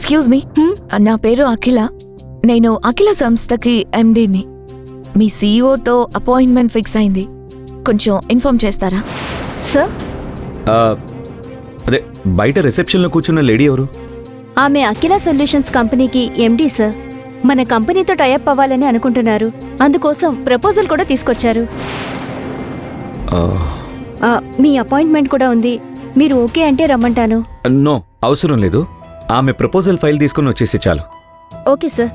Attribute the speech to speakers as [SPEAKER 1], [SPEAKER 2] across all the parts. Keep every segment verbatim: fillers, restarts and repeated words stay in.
[SPEAKER 1] Excuse me, నా పేరు అఖిల. నేను అఖిల సంస్థకి ఎండీని. మీ సీఈఓతో అపాయింట్మెంట్ ఫిక్స్ అయింది, కొంచెం ఇన్ఫార్మ్ చేస్తారా?
[SPEAKER 2] సార్,
[SPEAKER 3] అదే బయట రిసెప్షన్లో కూర్చున్న లేడీ ఎవరు?
[SPEAKER 2] ఆమె అఖిల సొల్యూషన్స్ కంపెనీకి ఎండీ సార్. మన కంపెనీతో టైఅప్ అవ్వాలని అనుకుంటున్నారు, అందుకోసం ప్రపోజల్ కూడా తీసుకొచ్చారు. ఆ, మీ అపాయింట్మెంట్ కూడా ఉంది, మీరు ఓకే అంటే రమ్మంటాను.
[SPEAKER 3] నో, అవసరం లేదు. ఆమె ప్రపోజల్ ఫైల్ తీసుకుని వచ్చేసి చాలు.
[SPEAKER 2] ఓకే సార్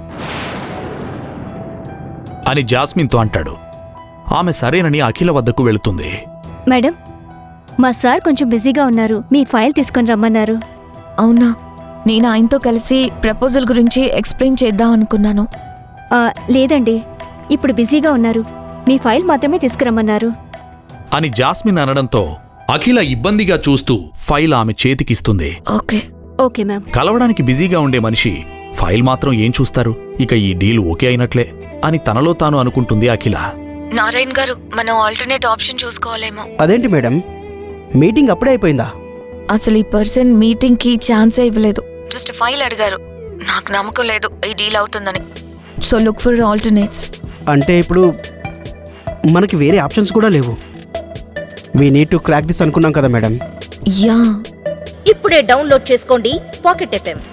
[SPEAKER 4] అని జాస్మిన్తో అంటాడు. ఆమె సరేనని అఖిల వద్దకు వెళుతుంది.
[SPEAKER 2] మేడం, మా సార్ కొంచెం బిజీగా ఉన్నారు, మీ ఫైల్ తీసుకొని రమ్మన్నారు.
[SPEAKER 1] అవునా, నేను ఆయనతో కలిసి ప్రపోజల్ గురించి ఎక్స్ప్లెయిన్ చేద్దాం అనుకున్నాను.
[SPEAKER 2] ఆ, లేదండి, ఇప్పుడు బిజీగా ఉన్నారు, మీ ఫైల్ మాత్రమే తీసుకురమ్మన్నారు.
[SPEAKER 4] అని జాస్మిన్ అనడంతో అఖిల ఇబ్బందిగా చూస్తూ ఫైల్ ఆమె చేతికిస్తుంది.
[SPEAKER 1] Okay
[SPEAKER 2] okay ma'am.
[SPEAKER 4] కలవడానికి బిజీగా ఉండే మనిషి ఫైల్ మాత్రం ఏం చూస్తారు, ఇక ఈ డీల్ ఓకే అయినట్లే అని తనలో తాను అనుకుంటుంది అఖిల.
[SPEAKER 1] నారాయణ్ గారు, మనం ఆల్టర్నేట్ ఆప్షన్ చూసుకోవాలేమో.
[SPEAKER 5] అదేంటి మేడం, మీటింగ్ అప్పుడే అయిపోయిందా?
[SPEAKER 1] అసలు ఈ పర్సన్ మీటింగ్ కి ఛాన్సే ఇవ్వలేదు, జస్ట్ ఫైల్ అడిగారు. నాకు నమ్మకం లేదు ఈ డీల్ అవుతుందని. So look for alternates.
[SPEAKER 5] అంటే ఇప్పుడు మనకి వేరే ఆప్షన్స్ కూడా లేవు. We need to crack this అనుకున్నాం కదా మేడం.
[SPEAKER 1] యా,
[SPEAKER 6] ఇప్పుడే డౌన్లోడ్ చేసుకోండి పాకెట్ ఎఫ్ఎం.